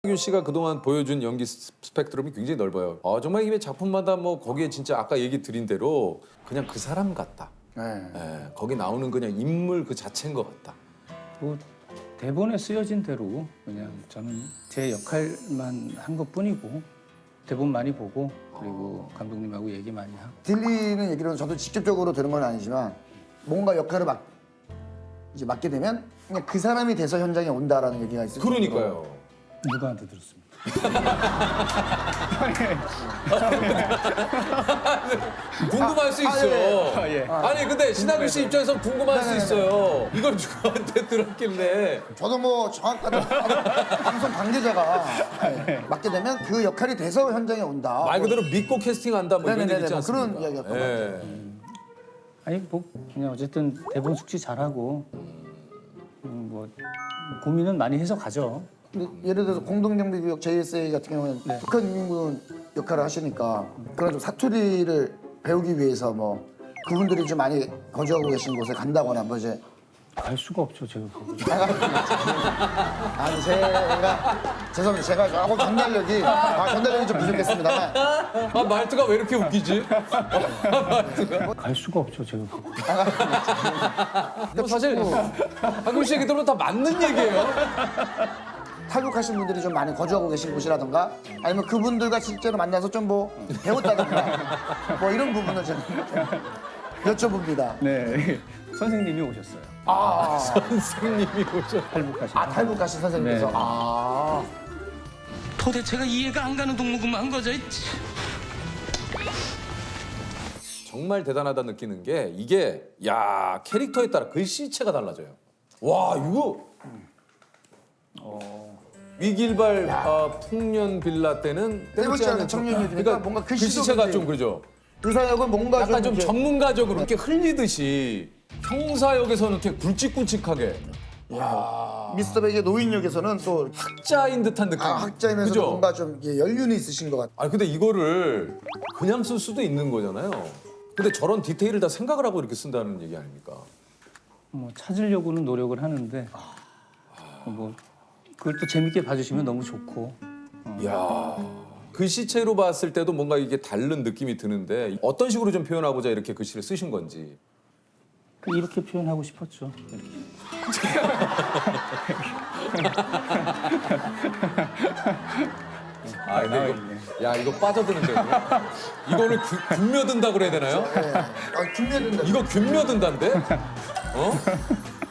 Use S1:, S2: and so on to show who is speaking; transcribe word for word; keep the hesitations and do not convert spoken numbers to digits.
S1: 균 씨가 그동안 보여준 연기 스- 스펙트럼이 굉장히 넓어요. 어, 정말 이게 작품마다 뭐 거기에 진짜 아까 얘기 드린 대로 그냥 그 사람 같다.
S2: 네.
S1: 예, 거기 나오는 그냥 인물 그 자체인 것 같다.
S3: 뭐 대본에 쓰여진 대로 그냥 저는 제 역할만 한 것뿐이고 대본 많이 보고 그리고 감독님하고 얘기 많이 하고
S2: 들리는 얘기로는 저도 직접적으로 들은 건 아니지만 뭔가 역할을 막 이제 맡게 되면 그냥 그 사람이 돼서 현장에 온다라는 얘기가 있어요.
S1: 그러니까요.
S3: 누구한테 들었습니까?
S1: 궁금할 수
S2: 아,
S1: 있어.
S2: 예,
S3: 아, 예.
S1: 아니 근데 신하균 씨 입장에서 궁금할 수
S2: 네네네.
S1: 있어요. 이걸 누구한테 들었길래?
S2: 저도 뭐 정확하게 방송 관계자가 네, 맡게 되면 그 역할이 돼서 현장에 온다.
S1: 말 그대로 믿고 캐스팅한다 뭐 이런
S2: 네네네네,
S1: 얘기 있지
S2: 뭐
S1: 않습니까?
S2: 그런 이야기였던 것
S1: 예.
S3: 아니 뭐 그냥 어쨌든 대본 숙지 잘하고 음, 뭐 고민은 많이 해서 가죠.
S2: 근데 예를 들어서 공동경비구역 제이에스에이 같은 경우는
S3: 네.
S2: 북한 인민군 역할을 하시니까 그런 좀 사투리를 배우기 위해서 뭐 그분들이 좀 많이 거주하고 계신 곳에 간다거나 뭐 이제
S3: 갈 수가 없죠 제가 거기.
S2: 아니 제가 죄송합니다 제가 조금 전달력이 아, 전달력이 좀 부족했습니다만
S1: 아 말투가 왜 이렇게 웃기지?
S3: 갈 수가 없죠 제가 거기.
S1: 뭐 사실 한균 씨 얘기들은 다 맞는 얘기예요.
S2: 탈북하신 분들이 좀 많이 거주하고 계신 곳이라던가 아니면 그분들과 실제로 만나서 좀 뭐 배웠다던가 뭐 이런 부분을 제가 여쭤봅니다.
S3: 네 선생님이 오셨어요.
S2: 아,
S1: 선생님이 오셔.
S3: 탈북하신.
S2: 아 탈북하신 선생님께서
S3: 네.
S2: 아
S4: 도대체가 이해가 안 가는 동무구만 거저.
S1: 정말 대단하다 느끼는 게 이게 야 캐릭터에 따라 글씨체가 달라져요. 와 이거 위길발 어, 풍년 빌라 때는
S2: 때묻지 않은
S1: 청-
S2: 청년이니까 뭔가 글씨도
S1: 글씨체가
S2: 굉장히-
S1: 좀 그러죠.
S2: 유사역은 뭔가
S1: 약간 좀
S2: 이렇게-
S1: 전문가적으로 이렇게 흘리듯이 형사역에서는 이렇게 굵직굵직하게
S2: 미스터 백의 노인역에서는 또
S1: 학자인 듯한 느낌.
S2: 아, 학자이면서
S1: 그죠?
S2: 뭔가 좀 이게 연륜이 있으신 것 같아요.
S1: 아니 근데 이거를 그냥 쓸 수도 있는 거잖아요. 근데 저런 디테일을 다 생각을 하고 이렇게 쓴다는 얘기 아닙니까?
S3: 뭐 찾으려고는 노력을 하는데 뭐 그걸 또 재밌게 봐주시면 너무 좋고.
S1: 이야 글씨체로 봤을 때도 뭔가 이게 다른 느낌이 드는데 어떤 식으로 좀 표현하고자 이렇게 글씨를 쓰신 건지.
S3: 이렇게 표현하고 싶었죠.
S1: 아 근데 이거 야 이거 빠져드는데 이거? 이거를 균- 균며든다 그래야 되나요?
S2: 아, 균면된다.
S1: 이거 균며든다인데? 어?